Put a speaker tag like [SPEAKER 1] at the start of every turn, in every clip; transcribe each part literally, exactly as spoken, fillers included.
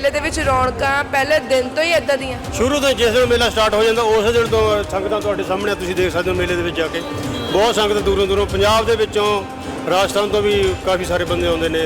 [SPEAKER 1] ਮੇਲੇ ਦੇ ਵਿੱਚ ਰੌਣਕਾਂ ਪਹਿਲੇ ਦਿਨ ਤੋਂ ਹੀ ਇਦਾਂ ਦੀਆਂ?
[SPEAKER 2] ਸ਼ੁਰੂ ਤੋਂ ਜਿਸ ਦਿਨ ਮੇਲਾ ਸਟਾਰਟ ਹੋ ਜਾਂਦਾ ਉਸ ਦਿਨ ਤੋਂ ਸੰਗਤਾਂ ਤੁਹਾਡੇ ਸਾਹਮਣੇ ਤੁਸੀਂ ਦੇਖ ਸਕਦੇ ਹੋ। ਮੇਲੇ ਦੇ ਵਿੱਚ ਜਾ ਕੇ ਬਹੁਤ ਸੰਗਤ ਦੂਰੋਂ ਦੂਰੋਂ ਪੰਜਾਬ ਦੇ ਵਿੱਚੋਂ ਰਾਜਸਥਾਨ ਤੋਂ ਵੀ ਕਾਫੀ ਸਾਰੇ ਬੰਦੇ ਆਉਂਦੇ ਨੇ।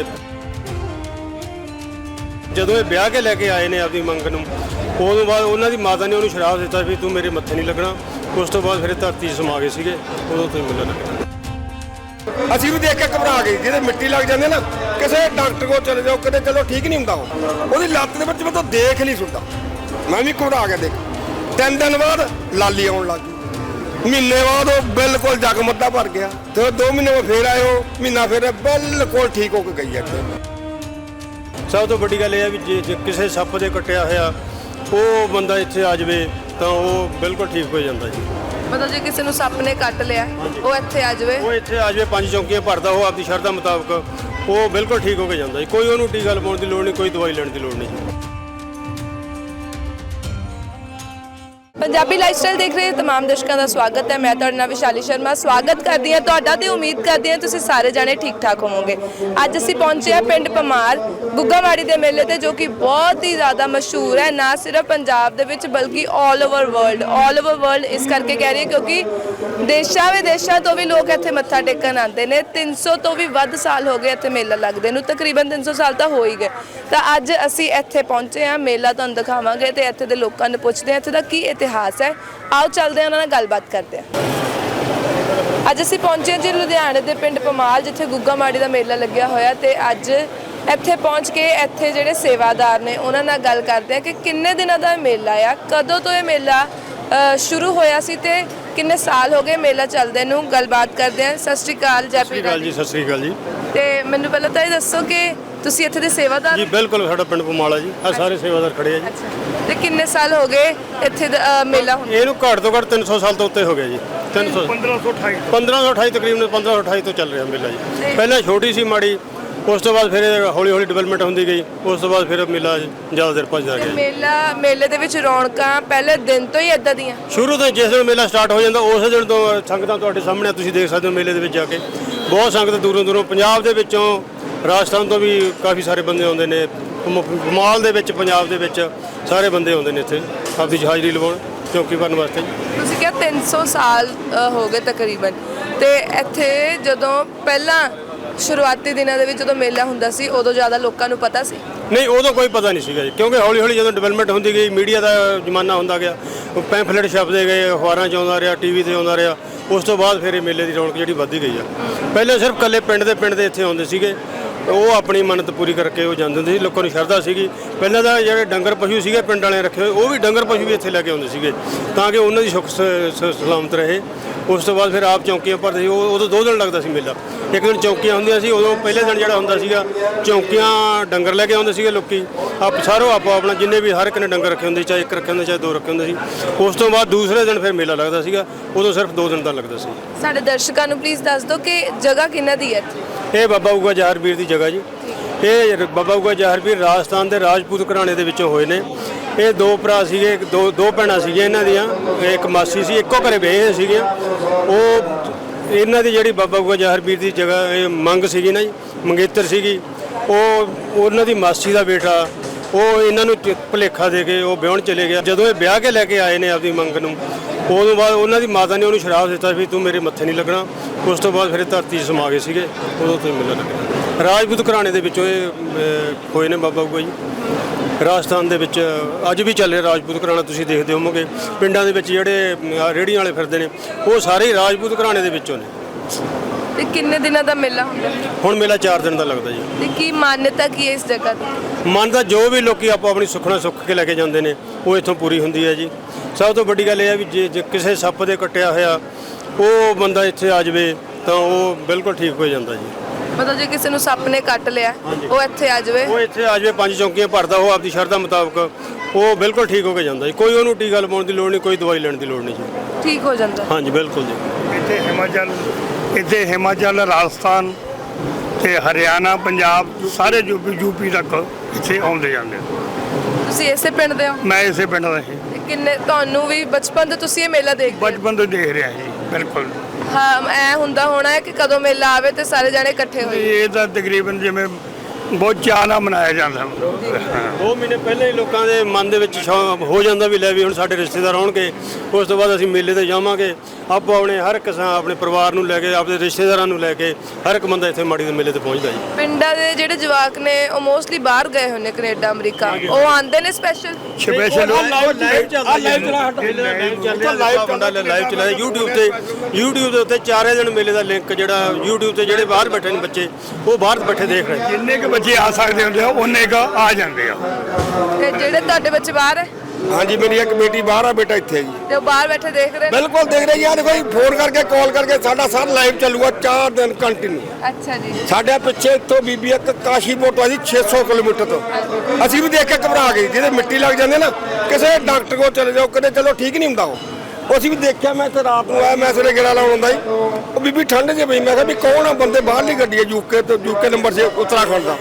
[SPEAKER 2] ਜਦੋਂ ਇਹ ਵਿਆਹ ਕੇ ਲੈ ਕੇ ਆਏ ਨੇ ਆਪਣੀ ਮੰਗ ਨੂੰ, ਉਦੋਂ ਬਾਅਦ ਉਹਨਾਂ ਦੀ ਮਾਤਾ ਨੇ ਉਹਨੂੰ ਸ਼ਰਾਪ ਦਿੱਤਾ ਵੀ ਤੂੰ ਮੇਰੇ ਮੱਥੇ ਨਹੀਂ ਲੱਗਣਾ। ਉਸ ਤੋਂ ਬਾਅਦ ਫਿਰ ਇਹ ਧਰਤੀ 'ਚ ਸਮਾ ਗਏ ਸੀਗੇ, ਉਦੋਂ ਤੋਂ ਹੀ ਮੇਲਾ ਲੱਗਿਆ।
[SPEAKER 3] ਅਸੀਂ ਵੀ ਦੇਖ ਕੇ ਘਬਰਾ ਗਏ, ਜਿਹਦੇ ਮਿੱਟੀ ਲੱਗ ਜਾਂਦੇ ਨਾ ਕਿਸੇ ਡਾਕਟਰ ਕੋਲ ਚਲੇ ਜਾਓ, ਕਦੇ ਚਲੋ ਠੀਕ ਨਹੀਂ ਹੁੰਦਾ। ਉਹ ਉਹਦੀ ਲੱਤ ਦੇ ਵਿੱਚ ਮੈਂ ਤਾਂ ਦੇਖ ਨਹੀਂ ਸੁਣਦਾ, ਮੈਂ ਵੀ ਘਬਰਾ ਗਿਆ। ਦੇਖ ਤਿੰਨ ਦਿਨ ਬਾਅਦ ਲਾਲੀ ਆਉਣ ਲੱਗ ਗਈ, ਮਹੀਨੇ ਬਾਅਦ ਉਹ ਬਿਲਕੁਲ ਜਗਮੱਦਾ ਭਰ ਗਿਆ, ਤੇ ਦੋ ਮਹੀਨੇ ਬਾਅਦ ਫੇਰ ਆਏ, ਉਹ ਮਹੀਨਾ ਫੇਰ ਬਿਲਕੁਲ ਠੀਕ ਹੋ ਕੇ ਗਈ। ਅੱਗੇ
[SPEAKER 2] ਸਭ ਤੋਂ ਵੱਡੀ ਗੱਲ ਇਹ ਹੈ ਵੀ ਜੇ ਜੇ ਕਿਸੇ ਸੱਪ ਦੇ ਕੱਟਿਆ ਹੋਇਆ ਉਹ ਬੰਦਾ ਇੱਥੇ ਆ ਜਾਵੇ ਤਾਂ ਉਹ ਬਿਲਕੁਲ ਠੀਕ ਹੋ ਜਾਂਦਾ ਜੀ।
[SPEAKER 1] ਮਤਲਬ ਜੇ ਕਿਸੇ ਨੂੰ ਸੱਪ ਨੇ ਕੱਟ ਲਿਆ ਉਹ ਇੱਥੇ ਆ ਜਾਵੇ,
[SPEAKER 2] ਉਹ ਇੱਥੇ ਆ ਜਾਵੇ, ਪੰਜ ਚੌਂਕੀਆਂ ਭਰਦਾ ਉਹ ਆਪਦੀ ਸ਼ਰਧਾ ਮੁਤਾਬਕ, ਉਹ ਬਿਲਕੁਲ ਠੀਕ ਹੋ ਕੇ ਜਾਂਦਾ ਜੀ। ਕੋਈ ਉਹਨੂੰ ਟੀਕਾ ਲਵਾਉਣ ਦੀ ਲੋੜ ਨਹੀਂ, ਕੋਈ ਦਵਾਈ ਲੈਣ ਦੀ ਲੋੜ ਨਹੀਂ ਜੀ।
[SPEAKER 1] ਪੰਜਾਬੀ ਲਾਈਫਸਟਾਈਲ ਦੇਖ ਰਹੇ तमाम ਦਰਸ਼ਕਾਂ ਦਾ ਸਵਾਗਤ ਹੈ। ਮੈਂ ਤੁਹਾਡੇ ਨਾਲ ਵਿਸ਼ਾਲੀ ਸ਼ਰਮਾ ਸਵਾਗਤ ਕਰਦੀ ਹਾਂ ਤੁਹਾਡਾ ਤੇ ਉਮੀਦ ਕਰਦੀ ਹਾਂ ਤੁਸੀਂ ਸਾਰੇ ਜਾਣੇ ਠੀਕ ਠਾਕ ਹੋਵੋਗੇ। ਅੱਜ ਅਸੀਂ ਪਹੁੰਚੇ ਹਾਂ ਪਿੰਡ ਪਮਾਰ ਗੁੱਗਾਮਾੜੀ ਦੇ ਮੇਲੇ ਤੇ, ਜੋ ਕਿ ਬਹੁਤ ਹੀ ਜ਼ਿਆਦਾ ਮਸ਼ਹੂਰ ਹੈ, ਨਾ ਸਿਰਫ ਪੰਜਾਬ ਦੇ ਵਿੱਚ ਬਲਕਿ all over world. All over world ਇਸ ਕਰਕੇ ਕਹਿ ਰਹੀ ਹਾਂ ਕਿਉਂਕਿ ਦੇਸ਼ਾਂ ਵਿਦੇਸ਼ਾਂ ਤੋਂ ਵੀ ਲੋਕ ਇੱਥੇ ਮੱਥਾ ਟੇਕਣ ਆਉਂਦੇ ਨੇ। ਤਿੰਨ ਸੌ ਤੋਂ ਵੀ ਵੱਧ ਸਾਲ ਹੋ ਗਏ ਇੱਥੇ ਮੇਲਾ ਲੱਗਦੇ ਨੂੰ, ਤਕਰੀਬਨ ਤਿੰਨ ਸੌ ਸਾਲ ਤਾਂ ਹੋ ਹੀ ਗਏ। ਤਾਂ ਅੱਜ ਅਸੀਂ ਇੱਥੇ ਪਹੁੰਚੇ ਹਾਂ, ਮੇਲਾ ਤੁਹਾਨੂੰ ਦਿਖਾਵਾਂਗੇ ਤੇ ਇੱਥੇ ਦੇ ਲੋਕਾਂ ਨੂੰ ਪੁੱਛਦੇ ਹਾਂ ਇੱਥੇ ਦਾ ਕੀ ਇਤਿਹਾਸ ਹੈ। ਆਓ ਚੱਲਦੇ ਹਾਂ, ਉਹਨਾਂ ਨਾਲ ਗੱਲਬਾਤ ਕਰਦੇ ਹਾਂ। ਅੱਜ ਅਸੀਂ ਪਹੁੰਚੇ ਹਾਂ ਜੀ ਲੁਧਿਆਣੇ ਦੇ ਪਿੰਡ ਪਮਾਲ, ਜਿੱਥੇ ਗੁੱਗਾਮਾੜੀ ਦਾ ਮੇਲਾ ਲੱਗਿਆ ਹੋਇਆ। ਤੇ ਅੱਜ ਇੱਥੇ ਪਹੁੰਚ ਕੇ ਇੱਥੇ ਜਿਹੜੇ ਸੇਵਾਦਾਰ ਨੇ ਉਹਨਾਂ ਨਾਲ ਗੱਲ ਕਰਦੇ ਹਾਂ ਕਿ ਕਿੰਨੇ ਦਿਨਾਂ ਦਾ ਮੇਲਾ ਆ, ਕਦੋਂ ਤੋਂ ਇਹ ਮੇਲਾ ਸ਼ੁਰੂ ਹੋਇਆ ਸੀ ਤੇ ਕਿੰਨੇ ਸਾਲ ਹੋ ਗਏ ਮੇਲਾ ਚੱਲਦੇ ਨੂੰ। ਗੱਲਬਾਤ ਕਰਦੇ ਹਾਂ। ਸਤਿ ਸ਼੍ਰੀ ਅਕਾਲ। ਜੈ
[SPEAKER 2] ਸਤਿ ਸ਼੍ਰੀ ਅਕਾਲ ਜੀ। ਸਤਿ ਸ਼੍ਰੀ ਅਕਾਲ ਜੀ।
[SPEAKER 1] ਤੇ ਮੈਨੂੰ ਪਹਿਲਾਂ ਤਾਂ ਇਹ ਦੱਸੋ ਕਿ ਤੁਸੀਂ ਇੱਥੇ ਦੇ ਸੇਵਾਦਾਰ?
[SPEAKER 2] ਜੀ ਬਿਲਕੁਲ, ਸਾਡਾ ਪਿੰਡ ਪਮਾਲਾ ਜੀ, ਆ ਸਾਰੇ ਸੇਵਾਦਾਰ ਖੜੇ ਆ ਜੀ।
[SPEAKER 1] ਅੱਛਾ, ਤੇ ਕਿੰਨੇ ਸਾਲ ਹੋ ਗਏ ਇੱਥੇ ਮੇਲਾ ਹੁੰਦਾ?
[SPEAKER 2] ਇਹਨੂੰ ਘੱਟ ਤੋਂ ਘੱਟ ਤਿੰਨ ਸੌ ਸਾਲ ਤੋਂ ਉੱਤੇ ਹੋ ਗਿਆ ਜੀ। ਤਿੰਨ ਸੌ ਪੰਦਰਾਂ ਸੌ ਅਠਾਈ ਪੰਦਰਾਂ ਸੌ ਅਠਾਈ ਤਕਰੀਬਨ ਪੰਦਰਾਂ ਸੌ ਅਠਾਈ ਤੋਂ ਚੱਲ ਰਿਹਾ ਮੇਲਾ ਜੀ। ਪਹਿਲਾਂ ਛੋਟੀ ਸੀ ਮਾੜੀ, ਉਸ ਤੋਂ ਬਾਅਦ ਫਿਰ ਹੌਲੀ ਹੌਲੀ ਡਿਵੈਲਪਮੈਂਟ ਹੁੰਦੀ ਗਈ, ਉਸ ਤੋਂ ਬਾਅਦ ਫਿਰ ਮੇਲਾ ਜ਼ਿਆਦਾ ਦੇਰ ਭੱਜਦਾ ਗਿਆ।
[SPEAKER 1] ਮੇਲਾ ਮੇਲੇ ਦੇ ਵਿੱਚ ਰੌਣਕਾਂ ਪਹਿਲੇ ਦਿਨ ਤੋਂ ਹੀ ਇਦਾਂ ਦੀਆਂ?
[SPEAKER 2] ਸ਼ੁਰੂ ਤੋਂ ਜਿਸ ਦਿਨ ਮੇਲਾ ਸਟਾਰਟ ਹੋ ਜਾਂਦਾ ਉਸ ਦਿਨ ਤੋਂ ਸੰਗਤਾਂ ਤੁਹਾਡੇ ਸਾਹਮਣੇ ਤੁਸੀਂ ਦੇਖ ਸਕਦੇ ਹੋ। ਮੇਲੇ ਦੇ ਵਿੱਚ ਜਾ ਕੇ ਬਹੁਤ ਸੰਗਤ ਦੂਰੋਂ ਦੂਰੋਂ ਪੰਜਾਬ ਦੇ ਵਿੱਚੋਂ ਰਾਜਸਥਾਨ ਤੋਂ ਵੀ ਕਾਫੀ ਸਾਰੇ ਬੰਦੇ ਆਉਂਦੇ ਨੇ। ਕਮਾਲ ਦੇ ਵਿੱਚ ਪੰਜਾਬ ਦੇ ਵਿੱਚ ਸਾਰੇ ਬੰਦੇ ਆਉਂਦੇ ਨੇ ਇੱਥੇ ਆਪਦੀ ਹਾਜ਼ਰੀ ਲਵਾਉਣ, ਚੌਕੀ ਭਰਨ ਵਾਸਤੇ।
[SPEAKER 1] ਤੁਸੀਂ ਕਿਹਾ ਤਿੰਨ ਸੌ ਸਾਲ ਹੋ ਗਏ ਤਕਰੀਬਨ, ਤੇ ਇੱਥੇ ਜਦੋਂ ਪਹਿਲਾਂ ਸ਼ੁਰੂਆਤੀ ਦਿਨਾਂ ਦੇ ਵਿੱਚ ਜਦੋਂ ਮੇਲਾ ਹੁੰਦਾ ਸੀ ਉਦੋਂ ਜ਼ਿਆਦਾ ਲੋਕਾਂ ਨੂੰ ਪਤਾ ਸੀ?
[SPEAKER 2] ਨਹੀਂ, ਉਦੋਂ ਕੋਈ ਪਤਾ ਨਹੀਂ ਸੀਗਾ ਜੀ, ਕਿਉਂਕਿ ਹੌਲੀ ਹੌਲੀ ਜਦੋਂ ਡਿਵੈਲਪਮੈਂਟ ਹੁੰਦੀ ਗਈ, ਮੀਡੀਆ ਦਾ ਜ਼ਮਾਨਾ ਹੁੰਦਾ ਗਿਆ, ਪੈਂਫਲੇਟ ਛਪਦੇ ਗਏ, ਅਖਬਾਰਾਂ 'ਚ ਆਉਂਦਾ ਰਿਹਾ, ਟੀ ਵੀ 'ਤੇ ਆਉਂਦਾ ਰਿਹਾ, ਉਸ ਤੋਂ ਬਾਅਦ ਫਿਰ ਇਹ ਮੇਲੇ ਦੀ ਰੌਣਕ ਜਿਹੜੀ ਵੱਧਦੀ ਗਈ ਆ। ਪਹਿਲੇ ਸਿਰਫ ਇਕੱਲੇ ਪਿੰਡ ਦੇ ਪਿੰਡ ਦੇ ਇੱਥੇ ਆਉਂਦੇ ਸੀਗੇ, ਉਹ ਆਪਣੀ ਮੰਨਤ ਪੂਰੀ ਕਰਕੇ ਉਹ ਜਾਂਦੇ ਹੁੰਦੇ ਸੀ। ਲੋਕਾਂ ਨੂੰ ਸ਼ਰਧਾ ਸੀਗੀ। ਪਹਿਲਾਂ ਤਾਂ ਜਿਹੜੇ ਡੰਗਰ ਪਸ਼ੂ ਸੀਗੇ ਪਿੰਡ ਵਾਲਿਆਂ ਰੱਖੇ ਹੋਏ, ਉਹ ਵੀ ਡੰਗਰ ਪਸ਼ੂ ਵੀ ਇੱਥੇ ਲੈ ਕੇ ਆਉਂਦੇ ਸੀਗੇ ਤਾਂ ਕਿ ਉਹਨਾਂ ਦੀ ਸੁੱਖ ਸਲਾਮਤ ਰਹੇ। ਉਸ ਤੋਂ ਬਾਅਦ ਫਿਰ ਆਪ ਚੌਂਕੀਆਂ ਭਰਦੇ ਸੀ। ਉਹ ਉਦੋਂ ਦੋ ਦਿਨ ਲੱਗਦਾ ਸੀ ਮੇਲਾ। ਇੱਕ ਦਿਨ ਚੌਂਕੀਆਂ ਹੁੰਦੀਆਂ ਸੀ, ਉਦੋਂ ਪਹਿਲੇ ਦਿਨ ਜਿਹੜਾ ਹੁੰਦਾ ਸੀਗਾ ਚੌਂਕੀਆਂ ਡੰਗਰ ਲੈ ਕੇ ਆਉਂਦੇ ਸੀਗੇ ਲੋਕੀ, ਆਪ ਸਾਰੋ ਆਪੋ ਆਪਣਾ, ਜਿੰਨੇ ਵੀ ਹਰ ਇੱਕ ਨੇ ਡੰਗਰ ਰੱਖੇ ਹੁੰਦੇ, ਚਾਹੇ ਇੱਕ ਰੱਖੇ ਹੁੰਦੇ ਚਾਹੇ ਦੋ ਰੱਖੇ ਹੁੰਦੇ ਸੀ। ਉਸ ਤੋਂ ਬਾਅਦ ਦੂਸਰੇ ਦਿਨ ਫਿਰ ਮੇਲਾ ਲੱਗਦਾ ਸੀਗਾ, ਉਦੋਂ ਸਿਰਫ ਦੋ ਦਿਨ ਦਾ ਲੱਗਦਾ ਸੀ।
[SPEAKER 1] ਸਾਡੇ ਦਰਸ਼ਕਾਂ ਨੂੰ ਪਲੀਜ਼ ਦੱਸ ਦਿਓ ਕਿ ਜਗ੍ਹਾ ਕਿਹਨਾਂ ਦੀ ਹੈ ਇੱਥੇ?
[SPEAKER 2] ਇਹ ਬਾਬਾ ਬੁੱਗਾ ਜ਼ਾਹਰ ਪੀਰ ਦੀ ਜਗ੍ਹਾ ਜੀ। ਇਹ ਬਾਬਾ ਬੁੱਗਾ ਜ਼ਾਹਰ ਪੀਰ ਰਾਜਸਥਾਨ ਦੇ ਰਾਜਪੂਤ ਘਰਾਣੇ ਦੇ ਵਿੱਚੋਂ ਹੋਏ ਨੇ। ਇਹ ਦੋ ਭਰਾ ਸੀਗੇ, ਦੋ ਦੋ ਭੈਣਾਂ ਸੀਗੀਆਂ ਇਹਨਾਂ ਦੀਆਂ, ਇੱਕ ਮਾਸੀ ਸੀ, ਇੱਕੋ ਘਰੇ ਵਿਆਹੇ ਸੀਗੇ। ਉਹ ਇਹਨਾਂ ਦੀ ਜਿਹੜੀ ਬਾਬਾ ਬੁੱਗਾ ਜ਼ਾਹਰ ਪੀਰ ਦੀ ਜਗ੍ਹਾ ਇਹ ਮੰਗ ਸੀਗੀ ਨਾ ਜੀ, ਮੰਗੇਤਰ ਸੀਗੀ, ਉਹ ਉਹਨਾਂ ਦੀ ਮਾਸੀ ਦਾ ਬੇਟਾ ਉਹ ਇਹਨਾਂ ਨੂੰ ਭੁਲੇਖਾ ਦੇ ਕੇ ਉਹ ਵਿਆਹਣ ਚਲੇ ਗਿਆ। ਜਦੋਂ ਇਹ ਵਿਆਹ ਕੇ ਲੈ ਕੇ ਆਏ ਨੇ ਆਪਦੀ ਮੰਗ ਨੂੰ, ਉਦੋਂ ਬਾਅਦ ਉਹਨਾਂ ਦੀ ਮਾਤਾ ਨੇ ਉਹਨੂੰ ਸ਼ਰਾਪ ਦਿੱਤਾ ਵੀ ਤੂੰ ਮੇਰੇ ਮੱਥੇ ਨਹੀਂ ਲੱਗਣਾ। ਉਸ ਤੋਂ ਬਾਅਦ ਫਿਰ ਇਹ ਧਰਤੀ 'ਚ ਸਮਾ ਗਏ ਸੀਗੇ, ਉਦੋਂ ਤੋਂ ਹੀ ਮੇਲਾ ਲੱਗਿਆ। ਰਾਜਪੂਤ ਘਰਾਣੇ ਦੇ ਵਿੱਚੋਂ ਇਹ ਹੋਏ ਨੇ ਬਾਬਾ ਬੁੱਗਾ ਜੀ। ਰਾਜਸਥਾਨ ਦੇ ਵਿੱਚ ਅੱਜ ਵੀ ਚੱਲ ਰਿਹਾ ਰਾਜਪੂਤ ਘਰਾਣਾ, ਤੁਸੀਂ ਦੇਖਦੇ ਹੋਵੋਗੇ ਪਿੰਡਾਂ ਦੇ ਵਿੱਚ ਜਿਹੜੇ ਰੇਹੜੀਆਂ ਵਾਲੇ ਫਿਰਦੇ ਨੇ ਉਹ ਸਾਰੇ ਰਾਜਪੂਤ ਘਰਾਣੇ ਦੇ ਵਿੱਚੋਂ ਨੇ।
[SPEAKER 1] ਤੇ ਕਿੰਨੇ ਦਿਨਾਂ ਦਾ ਮੇਲਾ ਹੁੰਦਾ?
[SPEAKER 2] ਹੁਣ ਮੇਲਾ ਚਾਰ ਦਿਨ ਦਾ ਲੱਗਦਾ ਜੀ।
[SPEAKER 1] ਤੇ ਕੀ ਮਾਨਤਾ ਕੀ ਹੈ ਇਸ ਜਗ੍ਹਾ ਦੀ?
[SPEAKER 2] ਮੰਨਦਾ ਜੋ ਵੀ ਲੋਕੀ ਆਪੋ ਆਪਣੀ ਸੁੱਖਣਾ ਸੁੱਖ ਕੇ ਲੈ ਕੇ ਜਾਂਦੇ ਨੇ ਉਹ ਇੱਥੋਂ ਪੂਰੀ ਹੁੰਦੀ ਹੈ ਜੀ। ਸਭ ਤੋਂ ਵੱਡੀ ਗੱਲ ਇਹ ਹੈ ਵੀ ਜੇ ਜੇ ਕਿਸੇ ਸੱਪ ਦੇ ਕੱਟਿਆ ਹੋਇਆ ਉਹ ਬੰਦਾ ਇੱਥੇ ਆ ਜਾਵੇ ਤਾਂ ਉਹ ਬਿਲਕੁਲ ਠੀਕ ਹੋ ਜਾਂਦਾ ਜੀ।
[SPEAKER 1] ਮਤਲਬ ਜੇ ਕਿਸੇ ਨੂੰ ਸੱਪ ਨੇ ਕੱਟ ਲਿਆ ਉਹ ਇੱਥੇ ਆ ਜਾਵੇ,
[SPEAKER 2] ਉਹ ਇੱਥੇ ਆ ਜਾਵੇ, ਪੰਜ ਚੌਂਕੀਆਂ ਭਰਦਾ ਉਹ ਆਪਦੀ ਸ਼ਰਧਾ ਮੁਤਾਬਕ, ਉਹ ਬਿਲਕੁਲ ਠੀਕ ਹੋ ਕੇ ਜਾਂਦਾ ਜੀ। ਕੋਈ ਉਹਨੂੰ ਟੀਕਾ ਲਵਾਉਣ ਦੀ ਲੋੜ ਨਹੀਂ, ਕੋਈ ਦਵਾਈ ਲੈਣ ਦੀ ਲੋੜ ਨਹੀਂ ਜੀ,
[SPEAKER 1] ਠੀਕ ਹੋ ਜਾਂਦਾ।
[SPEAKER 2] ਹਾਂਜੀ ਬਿਲਕੁਲ ਜੀ।
[SPEAKER 4] ਇੱਥੇ ਹਿਮਾਚਲ ਇੱਥੇ ਹਿਮਾਚਲ ਰਾਜਸਥਾਨ ਤੇ ਹਰਿਆਣਾ ਪੰਜਾਬ ਸਾਰੇ ਯੂਪੀ ਯੂਪੀ ਤੱਕ ਇੱਥੇ ਆਉਂਦੇ ਜਾਂਦੇ।
[SPEAKER 1] ਤੁਸੀਂ ਇਸੇ ਪਿੰਡ ਦੇ ਹੋ?
[SPEAKER 4] ਮੈਂ ਇਸੇ ਪਿੰਡ ਦਾ ਸੀ।
[SPEAKER 1] ਤੇ ਕਿੰਨੇ ਤੁਹਾਨੂੰ ਵੀ ਬਚਪਨ ਤੋਂ ਤੁਸੀਂ ਇਹ ਮੇਲਾ ਦੇਖਦੇ ਹੋ?
[SPEAKER 4] ਬਚਪਨ ਤੋਂ ਦੇਖ ਰਿਹਾ ਜੀ। ਬਿਲਕੁਲ
[SPEAKER 1] ਹਾਂ, ਐ ਹੁੰਦਾ ਹੋਣਾ ਹੈ ਕਿ ਕਦੋਂ ਮੇਲਾ ਆਵੇ ਤੇ ਸਾਰੇ ਜਾਣੇ ਇਕੱਠੇ ਹੋਈਏ।
[SPEAKER 4] ਇਹ ਤਾਂ ਤਕਰੀਬਨ ਜਿਵੇਂ ਬਹੁਤ ਚਾਅ ਨਾਲ ਮਨਾਇਆ ਜਾਂਦਾ ਹਾਂ।
[SPEAKER 2] ਦੋ ਮਹੀਨੇ ਪਹਿਲਾਂ ਹੀ ਲੋਕਾਂ ਦੇ ਮਨ ਦੇ ਵਿੱਚ ਸ਼ੌਕ ਹੋ ਜਾਂਦਾ ਵੀ ਲੈ ਵੀ ਹੁਣ ਸਾਡੇ ਰਿਸ਼ਤੇਦਾਰ ਆਉਣਗੇ, ਉਸ ਤੋਂ ਬਾਅਦ ਅਸੀਂ ਮੇਲੇ ਤੇ ਜਾਵਾਂਗੇ। ਆਪੋ ਆਪਣੇ ਹਰ ਕਿਸਾਨ ਆਪਣੇ ਪਰਿਵਾਰ ਨੂੰ ਲੈ ਕੇ, ਆਪਣੇ ਰਿਸ਼ਤੇਦਾਰਾਂ ਨੂੰ ਲੈ ਕੇ ਹਰ ਇੱਕ ਬੰਦਾ ਇੱਥੇ ਮਾੜੀ ਦੇ ਮੇਲੇ ਤੇ ਪਹੁੰਚਦਾ ਜੀ।
[SPEAKER 1] ਪਿੰਡਾਂ ਦੇ ਜਿਹੜੇ ਜਵਾਕ ਨੇ ਉਹ ਮੋਸਟਲੀ ਬਾਹਰ ਗਏ ਹੋਏ ਨੇ, ਕੈਨੇਡਾ, ਅਮਰੀਕਾ, ਉਹ ਆਉਂਦੇ ਨੇ ਸਪੈਸ਼ਲ।
[SPEAKER 4] ਸਪੈਸ਼ਲ
[SPEAKER 2] ਲਾਈਵ ਚੱਲਦਾ ਲਾਈਵ ਚਲਾ ਲਾਈਵ ਚਲਾ YouTube ਤੇ YouTube ਦੇ ਉੱਤੇ ਚਾਰੇ ਦਿਨ ਮੇਲੇ ਦਾ ਲਿੰਕ ਜਿਹੜਾ YouTube ਤੇ ਜਿਹੜੇ ਬਾਹਰ ਬੈਠੇ ਨੇ ਬੱਚੇ, ਉਹ ਬਾਹਰ ਬੈਠੇ ਦੇਖ ਰਹੇ।
[SPEAKER 4] ਜਿੰਨੇ ਕੁ ਬੱਚੇ ਆ ਸਕਦੇ ਹੁੰਦੇ ਆ ਉਹਨੇ ਕੁ ਆ ਜਾਂਦੇ ਆ।
[SPEAKER 1] ਤੇ ਜਿਹੜੇ ਤੁਹਾਡੇ ਬੱਚੇ ਬਾਹਰ ਹੈ
[SPEAKER 3] ਹਾਂਜੀ, ਮੇਰੀ ਇੱਕ ਬੇਟੀ ਬਾਹਰ ਆ, ਬੇਟਾ ਇੱਥੇ ਹੈ ਜੀ।
[SPEAKER 1] ਤੇ ਉਹ ਬਾਹਰ ਬੈਠੇ ਦੇਖ ਰਹੇ ਨੇ?
[SPEAKER 3] ਬਿਲਕੁਲ ਦੇਖ ਰਹੇ ਜੀ। ਆ ਦੇਖੋ ਜੀ, ਫੋਨ ਕਰਕੇ ਕਾਲ ਕਰਕੇ ਸਾਡਾ ਸਾਰਾ ਲਾਈਵ ਚੱਲੂਗਾ ਚਾਰ ਦਿਨ ਕੰਟੀਨਿਊ।
[SPEAKER 1] ਅੱਛਾ ਜੀ।
[SPEAKER 3] ਸਾਡੇ ਪਿੱਛੇ ਇੱਥੋਂ ਬੀਬੀ ਇੱਕ ਕਾਸ਼ੀਪੁਰ ਤੋਂ ਜੀ ਛੇ ਸੌ ਕਿਲੋਮੀਟਰ ਤੋਂ, ਅਸੀਂ ਵੀ ਦੇਖ ਕੇ ਘਬਰਾ ਗਏ। ਜਿਹਦੇ ਮਿੱਟੀ ਲੱਗ ਜਾਂਦੇ ਨਾ, ਕਿਸੇ ਡਾਕਟਰ ਕੋਲ ਚਲੇ ਜਾਓ, ਕਦੇ ਚਲੋ ਠੀਕ ਨਹੀਂ ਹੁੰਦਾ ਉਹ ਉਹ ਅਸੀਂ ਵੀ ਦੇਖਿਆ। ਮੈਂ ਇੱਥੇ ਰਾਤ ਨੂੰ ਆਇਆ, ਮੈਂ ਸਵੇਰੇ ਗੇੜਾ ਲਾਉਣ ਆਉਂਦਾ ਜੀ, ਉਹ ਬੀਬੀ ਠੰਡ 'ਚ ਪਈ। ਮੈਂ ਕਿਹਾ ਵੀ ਕੌਣ ਆ ਬੰਦੇ, ਬਾਹਰਲੀ ਗੱਡੀ ਹੈ ਯੂਕੇ ਤੋਂ, ਯੂਕੇ ਨੰਬਰ ਸੀ ਉੱਤਰਾਖੰਡ ਦਾ।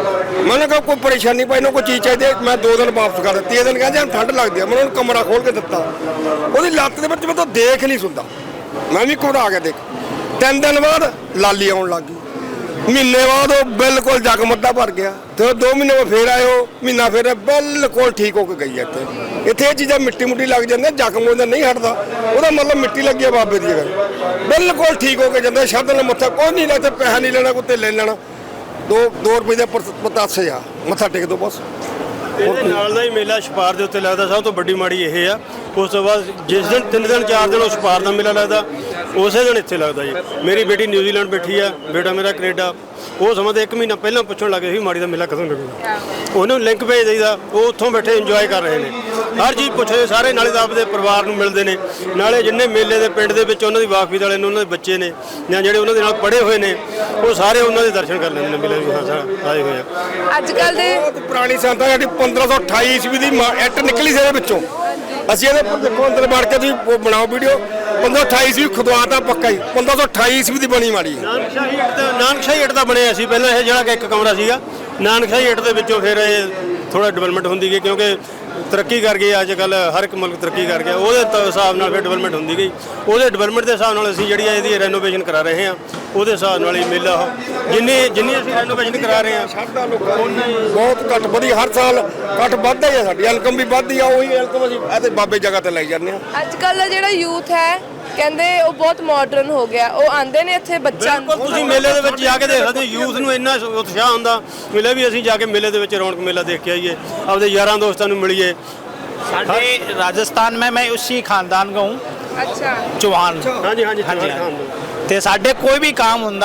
[SPEAKER 3] ਮੈਂ ਕਿਹਾ ਕੋਈ ਪਰੇਸ਼ਾਨੀ ਪਾਈ ਨਾ ਕੋਈ ਚੀਜ਼ ਚਾਹੀਦੀ, ਮੈਂ ਦੋ ਦਿਨ ਵਾਪਸ ਕਰ ਦਿੱਤੀ। ਤੀਏ ਦਿਨ ਕਹਿੰਦੇ ਹਨ ਠੰਡ ਲੱਗਦੀ ਆ, ਮੈਂ ਉਹਨੂੰ ਕਮਰਾ ਖੋਲ ਕੇ ਦਿੱਤਾ। ਉਹਦੀ ਲੱਤ ਦੇ ਵਿੱਚ ਮੈਂ ਤਾਂ ਦੇਖ ਨਹੀਂ ਸੁਣਦਾ, ਮੈਂ ਵੀ ਘਬਰਾ ਕੇ ਦੇਖ। ਤਿੰਨ ਦਿਨ ਬਾਅਦ ਲਾਲੀ ਆਉਣ ਲੱਗ ਗਈ, ਮਹੀਨੇ ਬਾਅਦ ਉਹ ਬਿਲਕੁਲ ਜਗਮੱਦਾ ਭਰ ਗਿਆ। ਤੇ ਦੋ ਮਹੀਨੇ ਬਾਅਦ ਫੇਰ ਆਏ, ਉਹ ਮਹੀਨਾ ਫੇਰ ਬਿਲਕੁਲ ਠੀਕ ਹੋ ਕੇ ਗਈ। ਇੱਥੇ ਇੱਥੇ ਇਹ ਚੀਜ਼ਾਂ ਮਿੱਟੀ ਮੁੱਟੀ ਲੱਗ ਜਾਂਦੀਆਂ, ਜ਼ਖਮ ਉਹਦਾ ਨਹੀਂ ਹਟਦਾ, ਉਹਦਾ ਮਤਲਬ ਮਿੱਟੀ ਲੱਗੀ ਹੈ ਬਾਬੇ ਦੀ ਜਗ੍ਹਾ, ਬਿਲਕੁਲ ਠੀਕ ਹੋ ਕੇ ਜਾਂਦਾ। ਸ਼ਬਦ ਨਾਲ ਮੱਥਾ ਕੋਈ ਨਹੀਂ ਲੱਗਦਾ, ਪੈਸਾ ਨਹੀਂ ਲੈਣਾ, ਕੋਈ ਲੈ ਲੈਣਾ, ਦੋ ਦੋ ਰੁਪਏ ਦੇ ਪਤਾਸੇ ਆ, ਮੱਥਾ ਟੇਕ ਦੋ ਬਸ।
[SPEAKER 2] ਇਹਦੇ ਨਾਲ ਦਾ ਹੀ ਮੇਲਾ ਛਪਾਰ ਦੇ ਉੱਤੇ ਲੱਗਦਾ। ਸਭ ਤੋਂ ਵੱਡੀ ਮਾੜੀ ਇਹ ਆ। ਉਸ ਤੋਂ ਬਾਅਦ ਜਿਸ ਦਿਨ ਤਿੰਨ ਦਿਨ ਚਾਰ ਦਿਨ ਉਹ ਛਪਾਰ ਦਾ ਮੇਲਾ ਲੱਗਦਾ, ਉਸੇ ਦਿਨ ਇੱਥੇ ਲੱਗਦਾ ਜੀ। ਮੇਰੀ ਬੇਟੀ ਨਿਊਜ਼ੀਲੈਂਡ ਬੈਠੀ ਆ, ਬੇਟਾ ਮੇਰਾ ਕੈਨੇਡਾ। ਉਹ ਸਮਾਂ ਤੇ ਇੱਕ ਮਹੀਨਾ ਪਹਿਲਾਂ ਪੁੱਛਣ ਲੱਗੇ ਸੀ ਮਾੜੀ ਦਾ ਮੇਲਾ ਕਦੋਂ ਲੱਗੂਗਾ। ਉਹਨੂੰ ਲਿੰਕ ਭੇਜ ਦਈਦਾ, ਉਹ ਉੱਥੋਂ ਬੈਠੇ ਇੰਜੋਏ ਕਰ ਰਹੇ ਨੇ, ਹਰ ਚੀਜ਼ ਪੁੱਛਦੇ ਸਾਰੇ। ਨਾਲੇ ਤਾਂ ਆਪਦੇ ਪਰਿਵਾਰ ਨੂੰ ਮਿਲਦੇ ਨੇ, ਨਾਲੇ ਜਿੰਨੇ ਮੇਲੇ ਦੇ ਪਿੰਡ ਦੇ ਵਿੱਚ ਉਹਨਾਂ ਦੀ ਵਾਕਫੀਤ ਵਾਲੇ ਨੇ, ਉਹਨਾਂ ਦੇ ਬੱਚੇ ਨੇ ਜਾਂ ਜਿਹੜੇ ਉਹਨਾਂ ਦੇ ਨਾਲ ਪੜ੍ਹੇ ਹੋਏ ਨੇ, ਉਹ ਸਾਰੇ ਉਹਨਾਂ ਦੇ ਦਰਸ਼ਨ ਕਰ ਲੈਂਦੇ ਨੇ ਮੇਲੇ ਵੀ। ਹਾਂ ਸਾਰਾ ਆਏ ਹੋਏ ਆ।
[SPEAKER 1] ਅੱਜ ਕੱਲ ਦੇ
[SPEAKER 3] ਬਹੁਤ ਪੁਰਾਣੀ ਸੰਤਾਂ ਸਾਡੀ ਪੰਦਰਾਂ ਸੌ ਅਠਾਈ ਈਸਵੀ ਦੀ ਇੱਟ ਨਿਕਲੀ ਸੀ ਇਹਦੇ ਵਿੱਚੋਂ। ਅਸੀਂ ਇਹਦੇ ਪਰ ਦੇਖੋ ਅੰਦਰ ਵੜ ਕੇ ਤੁਸੀਂ ਉਹ ਬਣਾਓ ਵੀਡੀਓ। ਪੰਦਰਾਂ ਅਠਾਈ ਈਸਵੀ ਖੁਦਵਾ ਤਾਂ ਪੱਕਾ ਹੀ, ਪੰਦਰਾਂ ਸੌ ਅਠਾਈ ਈਸਵੀ ਦੀ ਬਣੀ ਮਾੜੀ।
[SPEAKER 2] ਨਾਨਕਸ਼ਾਹੀ ਇੱਟ ਦਾ ਨਾਨਕਸ਼ਾਹੀ ਇੱਟ ਦਾ ਬਣਿਆ ਸੀ ਪਹਿਲਾਂ ਇਹ, ਜਿਹੜਾ ਕਿ ਇੱਕ ਕਮਰਾ ਸੀਗਾ ਨਾਨਕਸ਼ਾਹੀ ਇੱਟ ਦੇ ਵਿੱਚੋਂ। ਫਿਰ ਇਹ ਥੋੜਾ ਡਿਵੈਲਪਮੈਂਟ ਹੁੰਦੀ ਗਈ, ਕਿਉਂਕਿ ਤਰੱਕੀ ਕਰ ਗਈ ਅੱਜ ਕੱਲ੍ਹ, ਹਰ ਇੱਕ ਮੁਲਕ ਤਰੱਕੀ ਕਰ ਗਿਆ। ਉਹਦੇ ਤ- ਹਿਸਾਬ ਨਾਲ ਫਿਰ ਡਿਵੈਲਪਮੈਂਟ ਹੁੰਦੀ ਗਈ। ਉਹਦੇ ਡਿਵੈਲਪਮੈਂਟ ਦੇ ਹਿਸਾਬ ਨਾਲ ਅਸੀਂ ਜਿਹੜੀ ਆ ਇਹਦੀ ਰੈਨੋਵੇਸ਼ਨ ਕਰਾ ਰਹੇ ਹਾਂ। ਉਹਦੇ ਹਿਸਾਬ ਨਾਲ ਹੀ ਮੇਲਾ ਉਹ ਜਿੰਨੀ ਜਿੰਨੀ ਅਸੀਂ ਰੈਨੋਵੇਸ਼ਨ ਕਰਾ ਰਹੇ ਹਾਂ
[SPEAKER 3] ਸਾਡਾ ਲੋਕਾਂ ਦੀ ਬਹੁਤ ਘੱਟ ਵਧੀ, ਹਰ ਸਾਲ ਘੱਟ ਵੱਧਦਾ ਹੀ ਆ। ਸਾਡੀ ਇਨਕਮ ਵੀ ਵੱਧਦੀ ਆ, ਉਹੀ ਇਨਕਮ ਅਸੀਂ ਇਹਦੇ ਬਾਬੇ ਜਗ੍ਹਾ ਤੇ ਲੈ ਜਾਂਦੇ ਆ।
[SPEAKER 1] ਅੱਜ ਕੱਲ ਦਾ ਜਿਹੜਾ ਯੂਥ ਹੈ, ਕਹਿੰਦੇ ਉਹ ਬਹੁਤ ਮਾਡਰਨ ਹੋ ਗਿਆ। ਉਹ ਆਂਦੇ ਨੇ ਇੱਥੇ ਬੱਚਾ
[SPEAKER 2] ਬਿਲਕੁਲ ਤੁਸੀਂ ਮੇਲੇ ਦੇ ਵਿੱਚ ਜਾ ਕੇ ਦੇਖ ਸਕਦੇ ਹੋ, ਯੂਥ ਨੂੰ ਇੰਨਾ ਉਤਸ਼ਾਹ ਹੁੰਦਾ ਮਿਲੇ ਵੀ ਅਸੀਂ ਜਾ ਕੇ ਮੇਲੇ ਦੇ ਵਿੱਚ ਰੌਣਕ ਮੇਲਾ ਦੇਖ ਕੇ ਆਈਏ, ਆਪਦੇ ਯਾਰਾਂ ਦੋਸਤਾਂ ਨੂੰ ਮਿਲੀਏ।
[SPEAKER 5] साढ़े राजस्थान में मैं उसी खानदान का हूँ,
[SPEAKER 1] ਅੱਛਾ
[SPEAKER 5] चौहान।
[SPEAKER 2] ਹਾਂਜੀ ਹਾਂਜੀ
[SPEAKER 5] हाँ जी हाँ। ते साढ़े कोई भी काम हुंदा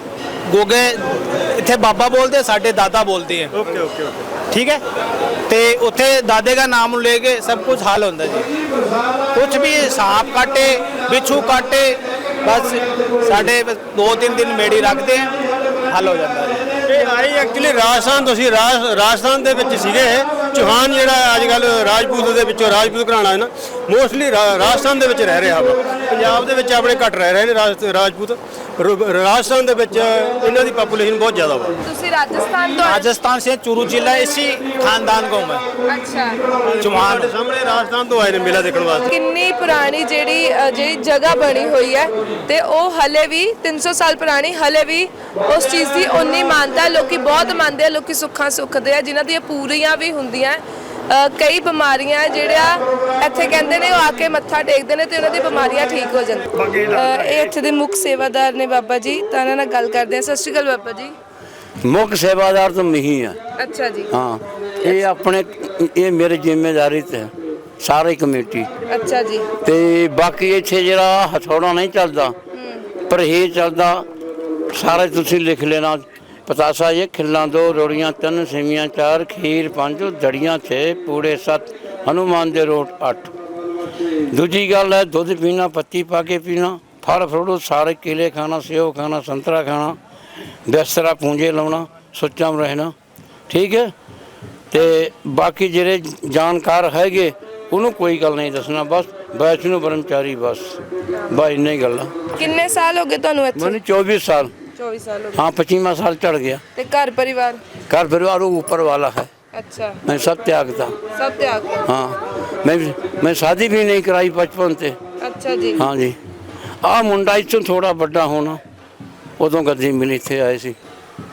[SPEAKER 5] गोगे इत्थे बाबा बोलते, साढ़े दादा बोलते हैं।
[SPEAKER 2] ਓਕੇ ਓਕੇ ਓਕੇ
[SPEAKER 5] ठीक है, ते उत्थे दादे का नाम लेके सब कुछ हल होंदा जी। कुछ भी सांप काटे, बिच्छू काटे, बस साढ़े दो तीन दिन मेड़ी रखते हैं, हल हो जाता है।
[SPEAKER 2] ਇਹ ਆਈ ਐਕਚੁਅਲੀ ਰਾਜਸਥਾਨ ਤੋਂ ਸੀ। ਰਾਜ ਰਾਜਸਥਾਨ ਦੇ ਵਿੱਚ ਸੀਗੇ ਇਹ ਚੌਹਾਨ, ਜਿਹੜਾ ਅੱਜ ਕੱਲ ਰਾਜਪੂਤ ਦੇ ਵਿੱਚੋਂ ਰਾਜਪੂਤ ਘਰਾਣਾ ਹੈ ਨਾ, ਮੋਸਟਲੀ ਰਾਜਸਥਾਨ ਦੇ ਵਿੱਚ ਰਹਿ ਰਿਹਾ ਵਾ। ਪੰਜਾਬ ਦੇ ਵਿੱਚ ਆਪਣੇ ਘੱਟ ਰਹਿ ਰਹੇ ਨੇ ਰਾਜ ਰਾਜਪੂਤ। ਰ- ਰਾਜਸਥਾਨ ਦੇ ਵਿੱਚ ਇਹਨਾਂ ਦੀ ਪਾਪੂਲੇਸ਼ਨ ਬਹੁਤ ਜ਼ਿਆਦਾ ਵਾ।
[SPEAKER 1] ਤੁਸੀਂ ਰਾਜਸਥਾਨ ਤੋਂ ਆਏ?
[SPEAKER 5] राजस्थान से चूरू जिला, इसी खानदान का हूँ मैं,
[SPEAKER 1] ਅੱਛਾ।
[SPEAKER 5] चौहान।
[SPEAKER 2] ਸਾਡੇ ਸਾਹਮਣੇ ਰਾਜਸਥਾਨ ਤੋਂ ਆਏ ਨੇ ਮੇਲਾ ਦੇਖਣ ਵਾਸਤੇ।
[SPEAKER 1] ਕਿੰਨੀ ਪੁਰਾਣੀ ਜਿਹੜੀ ਅ, ਜਿਹੜੀ ਜਗ੍ਹਾ ਬਣੀ ਹੋਈ ਹੈ, ਤੇ ਉਹ ਹਲੇ ਵੀ ਤਿੰਨ ਸੌ ਸਾਲ ਪੁਰਾਣੀ, ਹਲੇ ਵੀ ਉਸ ਚੀਜ਼ ਦੀ ਉਨੀ ਮਾਨਤਾ ਹੈ। ਲੋਕੀ ਬਹੁਤ ਮੰਨਦੇ ਆ, ਲੋਕੀ ਸੁੱਖਾਂ ਸੁੱਖਦੇ ਆ, ਜਿਨ੍ਹਾਂ ਦੀਆਂ ਪੂਰੀਆਂ ਵੀ ਹੁੰਦੀਆਂ। ਅ, ਕਈ ਬਿਮਾਰੀਆਂ ਜਿਹੜਾ ਇੱਥੇ ਕਹਿੰਦੇ ਨੇ ਉਹ ਆ ਕੇ ਮੱਥਾ ਟੇਕਦੇ ਨੇ ਤੇ ਉਹਨਾਂ ਦੀ ਬਿਮਾਰੀਆਂ ਠੀਕ ਹੋ ਜਾਂਦੀਆਂ। ਅ, ਇਹ ਇੱਥੇ ਦੇ ਮੁੱਖ ਸੇਵਾਦਾਰ ਨੇ ਬਾਬਾ ਜੀ, ਤਾਂ ਇਹਨਾਂ ਨਾਲ ਗੱਲ ਕਰਦੇ ਆ। ਸਤਿ ਸ਼੍ਰੀ ਅਕਾਲ ਬਾਬਾ ਜੀ।
[SPEAKER 6] ਮੁੱਖ ਸੇਵਾਦਾਰ ਤਾਂ ਮੈਂ ਹੀ ਆ।
[SPEAKER 1] ਅੱਛਾ ਜੀ।
[SPEAKER 6] ਹਾਂ, ਇਹ ਆਪਣੇ ਇਹ ਮੇਰੀ ਜ਼ਿੰਮੇਵਾਰੀ ਤੇ ਹੈ, ਸਾਰੀ ਕਮੇਟੀ।
[SPEAKER 1] ਅੱਛਾ ਜੀ।
[SPEAKER 6] ਤੇ ਬਾਕੀ ਇੱਥੇ ਜਿਹੜਾ ਹਥੌੜਾ ਨਹੀਂ ਚੱਲਦਾ, ਪਰਹੇਜ਼ ਚੱਲਦਾ, ਸਾਰੇ ਤੁਸੀਂ ਲਿਖ ਲੈਣਾ। ਪਤਾਸਾ ਇਹ ਖਿੱਲਾਂ ਦੋ, ਰੋੜੀਆਂ ਤਿੰਨ, ਸੇਵੀਆਂ ਚਾਰ, ਖੀਰ ਪੰਜ, ਦੜੀਆਂ ਛੇ, ਪੂੜੇ ਸੱਤ, ਹਨੂਮਾਨ ਦੇ ਰੋਟ ਅੱਠ। ਦੂਜੀ ਗੱਲ ਹੈ ਦੁੱਧ ਪੀਣਾ, ਪੱਤੀ ਪਾ ਕੇ ਪੀਣਾ, ਫਲ ਫਰੂਟ ਸਾਰੇ, ਕੇਲੇ ਖਾਣਾ, ਸੇਬ ਖਾਣਾ, ਸੰਤਰਾ ਖਾਣਾ, ਬਿਸਤਰਾ ਪੂੰਝੇ ਲਾਉਣਾ, ਸੁੱਚਾ ਰਹਿਣਾ। ਠੀਕ ਹੈ। ਤੇ ਬਾਕੀ ਜਿਹੜੇ ਜਾਣਕਾਰ ਹੈਗੇ ਉਹਨੂੰ ਕੋਈ ਗੱਲ ਨਹੀਂ ਦੱਸਣਾ, ਬਸ ਵੈਸ਼ਨੂੰ ਬ੍ਰਹਮਚਾਰੀ, ਬਸ ਬਸ ਇੰਨੀ ਹੀ ਗੱਲ ਆ।
[SPEAKER 1] ਕਿੰਨੇ ਸਾਲ ਹੋ ਗਏ ਤੁਹਾਨੂੰ ਇੱਥੇ?
[SPEAKER 6] ਮੈਨੂੰ ਚੌਬੀस साल।
[SPEAKER 1] चौबीस साल हो गए।
[SPEAKER 6] हाँ, पच्चीवा साल चढ़ गया।
[SPEAKER 1] ते घर परिवार?
[SPEAKER 6] घर परिवार वो ऊपर वाला है।
[SPEAKER 1] अच्छा।
[SPEAKER 6] मैं सब त्यागता।
[SPEAKER 1] सब त्याग?
[SPEAKER 6] हाँ, मैं मैं शादी भी नहीं कराई बचपन से।
[SPEAKER 1] अच्छा जी।
[SPEAKER 6] हाँ जी। आ मुंडा इस थोड़ा बड़ा होना, उदों गद्दी मिली थे आए सी।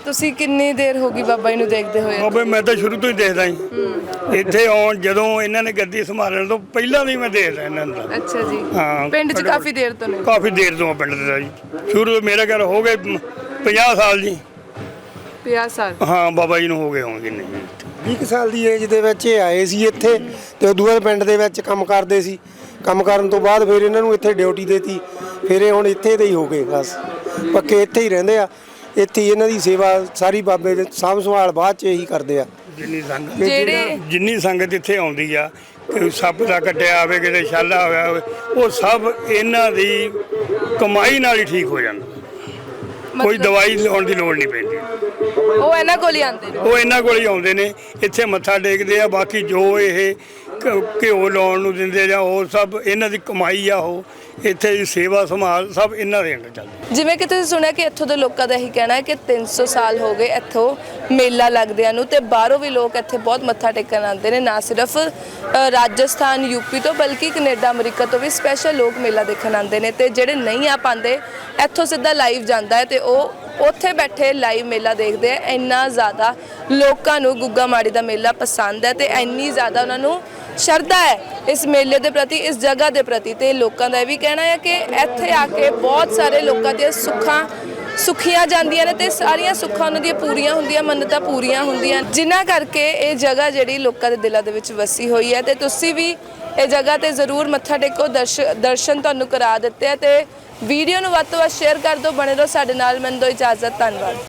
[SPEAKER 1] ਤੁਸੀਂ ਕਿੰਨੀ ਦੇਰ ਹੋ ਗਈ ਬਾਬਾ ਜੀ ਨੂੰ ਦੇਖਦੇ ਹੋਏ?
[SPEAKER 4] ਬਾਬੇ ਮੈਂ ਤਾਂ ਸ਼ੁਰੂ ਤੋਂ ਹੀ ਦੇਖਦਾ ਜੀ। ਇੱਥੇ ਆਉਣ ਜਦੋਂ ਇਹਨਾਂ ਨੇ ਗੱਦੀ ਸੰਭਾਲਣ ਤੋਂ ਪਹਿਲਾਂ ਵੀ ਮੈਂ ਦੇਖਦਾ ਇਹਨਾਂ ਨੂੰ।
[SPEAKER 1] ਅੱਛਾ ਜੀ।
[SPEAKER 4] ਹਾਂ,
[SPEAKER 1] ਪਿੰਡ 'ਚ ਕਾਫੀ ਦੇਰ ਤੋਂ ਨੇ?
[SPEAKER 4] ਕਾਫੀ ਦੇਰ ਤੋਂ ਆ ਪਿੰਡ ਦੇ ਦਾ ਜੀ। ਸ਼ੁਰੂ ਤੋਂ ਮੇਰਾ ਘਰ ਹੋ ਗਏ ਪੰਜਾਹ ਸਾਲ ਜੀ।
[SPEAKER 1] ਪੰਜਾਹ ਸਾਲ?
[SPEAKER 4] ਹਾਂ, ਬਾਬਾ ਜੀ ਨੂੰ ਹੋ ਗਏ ਹੋਣਗੇ ਨਹੀਂ
[SPEAKER 7] ਵੀਹ ਕੁ ਸਾਲ ਦੀ ਏਜ ਦੇ ਵਿੱਚ ਇਹ ਆਏ ਸੀ ਇੱਥੇ ਤੇ ਉਦੋਂ ਬਾਅਦ ਪਿੰਡ ਦੇ ਵਿੱਚ ਕੰਮ ਕਰਦੇ ਸੀ। ਕੰਮ ਕਰਨ ਤੋਂ ਬਾਅਦ ਫਿਰ ਇਹਨਾਂ ਨੂੰ ਇੱਥੇ ਡਿਊਟੀ ਦੇਤੀ। ਫਿਰ ਇਹ ਹੁਣ ਇੱਥੇ ਦੇ ਹੀ ਹੋ ਗਏ, ਬਸ ਪੱਕੇ ਇੱਥੇ ਹੀ ਰਹਿੰਦੇ ਆ। ਇੱਥੇ ਹੀ ਇਹਨਾਂ ਦੀ ਸੇਵਾ ਸਾਰੀ ਬਾਬੇ ਦੇ ਸਾਂਭ ਸੰਭਾਲ ਬਾਅਦ 'ਚ ਇਹੀ ਕਰਦੇ ਆ।
[SPEAKER 4] ਜਿੰਨੀ ਸੰਗਤ
[SPEAKER 1] ਜਿਹੜੇ
[SPEAKER 4] ਜਿੰਨੀ ਸੰਗਤ ਇੱਥੇ ਆਉਂਦੀ ਆ, ਕਿ ਸੱਪ ਦਾ ਕੱਟਿਆ ਹੋਵੇ, ਕਿਤੇ ਛਾਲਾ ਹੋਇਆ ਹੋਵੇ, ਉਹ ਸਭ ਇਹਨਾਂ ਦੀ ਕਮਾਈ ਨਾਲ ਹੀ ਠੀਕ ਹੋ ਜਾਂਦਾ। ਕੋਈ ਦਵਾਈ ਲਾਉਣ ਦੀ ਲੋੜ ਨਹੀਂ ਪੈਂਦੀ।
[SPEAKER 1] ਉਹ ਇਹਨਾਂ ਕੋਲ ਹੀ ਆਉਂਦੇ ਨੇ?
[SPEAKER 4] ਉਹ ਇਹਨਾਂ ਕੋਲ ਹੀ ਆਉਂਦੇ ਨੇ, ਇੱਥੇ ਮੱਥਾ ਟੇਕਦੇ ਆ। ਬਾਕੀ ਜੋ ਇਹ ਘ- ਘਿਓ ਲਾਉਣ ਨੂੰ ਦਿੰਦੇ ਜਾਂ ਉਹ ਸਭ ਇਹਨਾਂ ਦੀ ਕਮਾਈ ਆ। ਉਹ ਇੱਥੇ ਦੀ ਸੇਵਾ ਸੰਭਾਲ ਸਭ ਇਹਨਾਂ ਦੇ ਅੰਦਰ ਚੱਲਦੀ।
[SPEAKER 1] ਜਿਵੇਂ ਕਿ ਤੁਸੀਂ ਸੁਣਿਆ ਕਿ ਇੱਥੋਂ ਦੇ ਲੋਕਾਂ ਦਾ ਇਹੀ ਕਹਿਣਾ ਹੈ ਕਿ ਤਿੰਨ ਸੌ ਸਾਲ ਹੋ ਗਏ ਇੱਥੋਂ ਮੇਲਾ ਲੱਗਦਿਆਂ ਨੂੰ, ਤੇ ਬਾਹਰੋਂ ਵੀ ਲੋਕ ਇੱਥੇ ਬਹੁਤ ਮੱਥਾ ਟੇਕਣ ਆਉਂਦੇ ਨੇ। ਨਾ ਸਿਰਫ ਅ, ਰਾਜਸਥਾਨ ਯੂਪੀ ਤੋਂ ਬਲਕਿ ਕੈਨੇਡਾ ਅਮਰੀਕਾ ਤੋਂ ਵੀ ਸਪੈਸ਼ਲ ਲੋਕ ਮੇਲਾ ਦੇਖਣ ਆਉਂਦੇ ਨੇ। ਤੇ ਜਿਹੜੇ ਨਹੀਂ ਆ ਪਾਉਂਦੇ ਇੱਥੋਂ ਸਿੱਧਾ ਲਾਈਵ ਜਾਂਦਾ ਹੈ ਤੇ ਉਹ ਉੱਥੇ ਬੈਠੇ ਲਾਈਵ ਮੇਲਾ ਦੇਖਦੇ ਆ। ਇੰਨਾ ਜ਼ਿਆਦਾ ਲੋਕਾਂ ਨੂੰ ਗੁੱਗਾ ਮਾੜੀ ਦਾ ਮੇਲਾ ਪਸੰਦ ਹੈ ਤੇ ਇੰਨੀ ਜ਼ਿਆਦਾ ਉਹਨਾਂ ਨੂੰ ਸ਼ਰਧਾ ਹੈ ਇਸ ਮੇਲੇ ਦੇ ਪ੍ਰਤੀ, ਇਸ ਜਗ੍ਹਾ ਦੇ ਪ੍ਰਤੀ। ਤੇ ਲੋਕਾਂ ਦਾ ਇਹ ਵੀ ਕਹਿਣਾ ਹੈ ਕਿ ਇੱਥੇ ਆ ਕੇ ਬਹੁਤ ਸਾਰੇ ਲੋਕਾਂ ਦੀਆਂ ਸੁੱਖਾਂ ਸੁੱਖੀਆਂ ਜਾਂਦੀਆਂ ਨੇ ਤੇ ਸਾਰੀਆਂ ਸੁੱਖਾਂ ਉਹਨਾਂ ਦੀਆਂ ਪੂਰੀਆਂ ਹੁੰਦੀਆਂ, ਮੰਨਤਾਂ ਪੂਰੀਆਂ ਹੁੰਦੀਆਂ, ਜਿਨ੍ਹਾਂ ਕਰਕੇ ਇਹ ਜਗ੍ਹਾ ਜਿਹੜੀ ਲੋਕਾਂ ਦੇ ਦਿਲਾਂ ਦੇ ਵਿੱਚ ਵਸੀ ਹੋਈ ਹੈ। ਤੇ ਤੁਸੀਂ ਵੀ ਇਹ ਜਗ੍ਹਾ ਤੇ ਜ਼ਰੂਰ ਮੱਥਾ ਟੇਕੋ। ਦਰਸ਼ ਦਰਸ਼ਨ ਤੁਹਾਨੂੰ ਕਰਾ ਦਿੱਤੇ ਆ ਤੇ ਵੀਡੀਓ ਨੂੰ ਵੱਧ ਤੋਂ ਵੱਧ ਸ਼ੇਅਰ ਕਰ ਦਿਓ। ਬਣੇ ਰਹੋ ਸਾਡੇ ਨਾਲ। ਮੈਨੂੰ ਦਿਓ ਇਜਾਜ਼ਤ। ਧੰਨਵਾਦ।